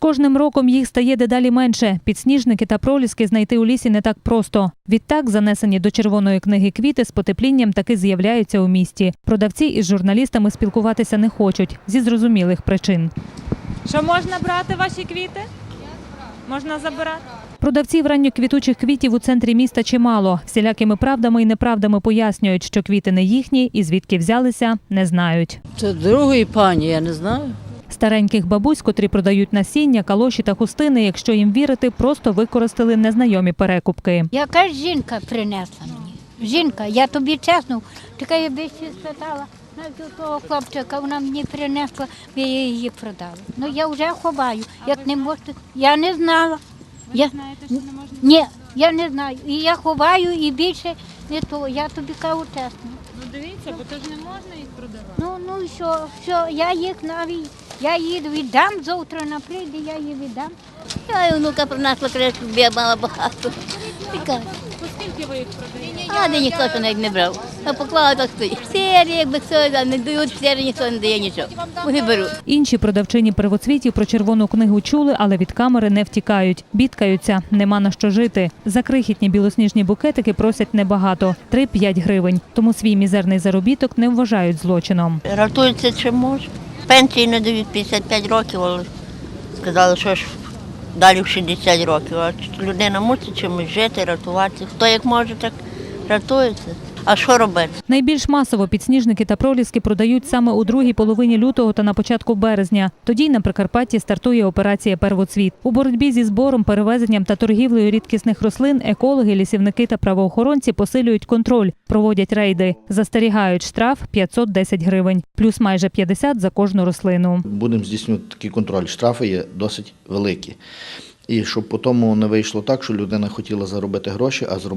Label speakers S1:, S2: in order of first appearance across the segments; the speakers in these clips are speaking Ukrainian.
S1: кожним роком їх стає дедалі менше. Підсніжники та проліски знайти у лісі не так просто. Відтак, занесені до червоної книги квіти з потеплінням таки з'являються у місті. Продавці із журналістами спілкуватися не хочуть зі зрозумілих причин.
S2: Що можна брати ваші квіти? Можна забирати?
S1: Продавців ранньоквітучих квітів у центрі міста чимало. Всілякими правдами і неправдами пояснюють, що квіти не їхні і звідки взялися, не знають.
S3: Це другої пані, я не знаю.
S1: Стареньких бабусь, котрі продають насіння, калоші та хустини, якщо їм вірити, просто використали незнайомі перекупки.
S4: Якась жінка принесла мені. Жінка, я тобі чесно, така я би ще спитала, навіть у того хлопчика вона мені принесла, я її продала. Ну я вже ховаю, як не можете, я не знала.
S2: Ви знаєте, що не можна?
S4: Ні, я не знаю. І я ховаю, і більше не то, я тобі кажу чесно.
S2: Ну дивіться, бо то ж не можна їх продавати.
S4: Ну і що, я їх навіть, я її віддам, завтра вона прийде, я її віддам.
S5: Я і внука принесла кришку, бо я мала багато.
S2: По скільки ви їх продаєте?
S5: А де ніхто що навіть не брав. А поклала так стоїть. Сері, якби все, не дають, сері ніхто не дає нічого. Вони беруть.
S1: Інші продавчині первоцвітів про червону книгу чули, але від камери не втікають. Бідкаються, нема на що жити. За крихітні білосніжні букетики просять небагато – 3-5 гривень. Тому свій мізерний заробіток не вважають злочином.
S5: Рятуються чим можуть. Пенсії не дають 55 років, але сказали, що ж далі в 60 років. А людина мусить чимось жити, рятуватися. Хто як може, так рятується. А що робити?
S1: Найбільш масово підсніжники та проліски продають саме у другій половині лютого та на початку березня. Тоді на Прикарпатті стартує операція «Первоцвіт». У боротьбі зі збором, перевезенням та торгівлею рідкісних рослин екологи, лісівники та правоохоронці посилюють контроль, проводять рейди. Застерігають штраф 510 гривень, плюс майже 50 за кожну рослину.
S6: Будемо здійснювати такий контроль. Штрафи є досить великі. І щоб по тому не вийшло так, що людина хотіла заробити гроші, а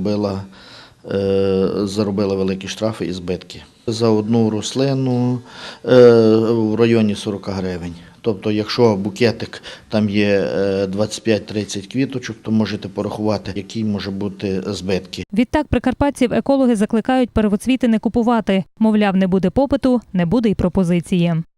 S6: заробила великі штрафи і збитки. За одну рослину в районі 40 гривень. Тобто, якщо букетик там є 25-30 квіточок, то можете порахувати, які може бути збитки.
S1: Відтак прикарпатців екологи закликають первоцвіти не купувати. Мовляв, не буде попиту, не буде й пропозиції.